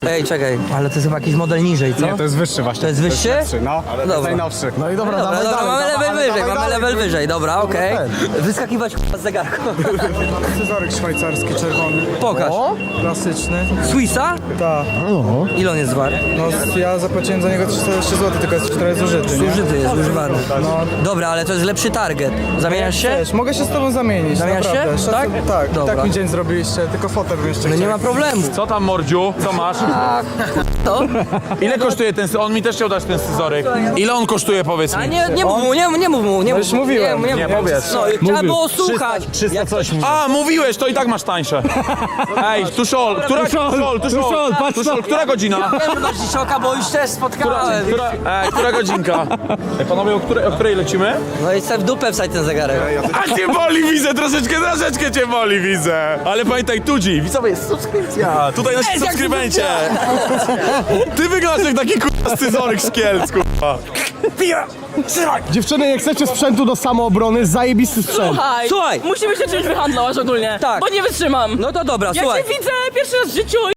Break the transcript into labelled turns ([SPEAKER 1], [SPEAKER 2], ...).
[SPEAKER 1] Ej, czekaj, ale to jest chyba jakiś model niżej, co?
[SPEAKER 2] Nie, to jest wyższy właśnie.
[SPEAKER 1] To jest wyższy?
[SPEAKER 2] No, ale to jest najnowszy.
[SPEAKER 3] No i dobra,
[SPEAKER 1] Dobra,
[SPEAKER 3] dawaj
[SPEAKER 1] dobra,
[SPEAKER 3] dalej,
[SPEAKER 1] mamy level
[SPEAKER 3] dawaj,
[SPEAKER 1] wyżej,
[SPEAKER 3] dawaj
[SPEAKER 1] mamy
[SPEAKER 3] dalej.
[SPEAKER 1] level wyżej, dobra, okej. Wyskakiwać z zegarku.
[SPEAKER 2] Scyzoryk szwajcarski, czerwony.
[SPEAKER 1] Pokaż.
[SPEAKER 2] Klasyczny.
[SPEAKER 1] Swissa?
[SPEAKER 2] Tak.
[SPEAKER 1] Ile on jest wart?
[SPEAKER 2] No ja zapłaciłem za niego 300 zł, tylko jest trochę zużyty, nie?
[SPEAKER 1] Zużyty jest, używany.
[SPEAKER 2] No.
[SPEAKER 1] Dobra, ale to jest lepszy target. Zamieniasz się?
[SPEAKER 2] Wiesz, mogę się z tobą zamienić,
[SPEAKER 1] Zamieniasz się?
[SPEAKER 2] naprawdę.
[SPEAKER 1] Tak?
[SPEAKER 2] Tak,
[SPEAKER 1] Dobra.
[SPEAKER 2] tak mi dzień zrobiliście, tylko fotę bym jeszcze
[SPEAKER 1] No nie
[SPEAKER 2] chciał.
[SPEAKER 1] ma problemu.
[SPEAKER 4] Co tam, mordziu? Co masz?
[SPEAKER 1] To?
[SPEAKER 4] Ile kosztuje ten On mi też chciał dać ten scyzoryk. Ile on kosztuje, powiedz
[SPEAKER 1] A
[SPEAKER 4] mi?
[SPEAKER 1] nie mów mu, nie mów mu, nie mów
[SPEAKER 2] już
[SPEAKER 1] mu.
[SPEAKER 2] mówiłem.
[SPEAKER 1] Nie
[SPEAKER 4] Nie,
[SPEAKER 1] mów.
[SPEAKER 4] powiedz.
[SPEAKER 1] No, trzeba było słuchać.
[SPEAKER 3] 300 coś.
[SPEAKER 4] A, mówiłeś, to i tak masz tańsze. Ej, Tuszol, która godzina?
[SPEAKER 1] Nie mów do Dziszoka, bo już też spotkałem.
[SPEAKER 4] Która godzinka? Ej, panowie, o której lecimy?
[SPEAKER 1] No i sobie w dupę wsadź ten zegarek.
[SPEAKER 4] A cię boli, widzę, troszeczkę cię boli, widzę. Ale pamiętaj, Tudzi, widzowie, jest subskrypcja. Tutaj nasi subskrybencie. Ty wyglądasz jak taki kurwa scyzoryk z Kielc, kurwa.
[SPEAKER 3] Dziewczyny, jak chcecie sprzętu do samoobrony, zajebisty sprzęt.
[SPEAKER 1] Słuchaj.
[SPEAKER 5] Musimy się czymś wyhandlować ogólnie.
[SPEAKER 1] Tak.
[SPEAKER 5] Bo nie wytrzymam.
[SPEAKER 1] No to dobra,
[SPEAKER 5] Ja
[SPEAKER 1] słuchaj.
[SPEAKER 5] cię widzę pierwszy raz w życiu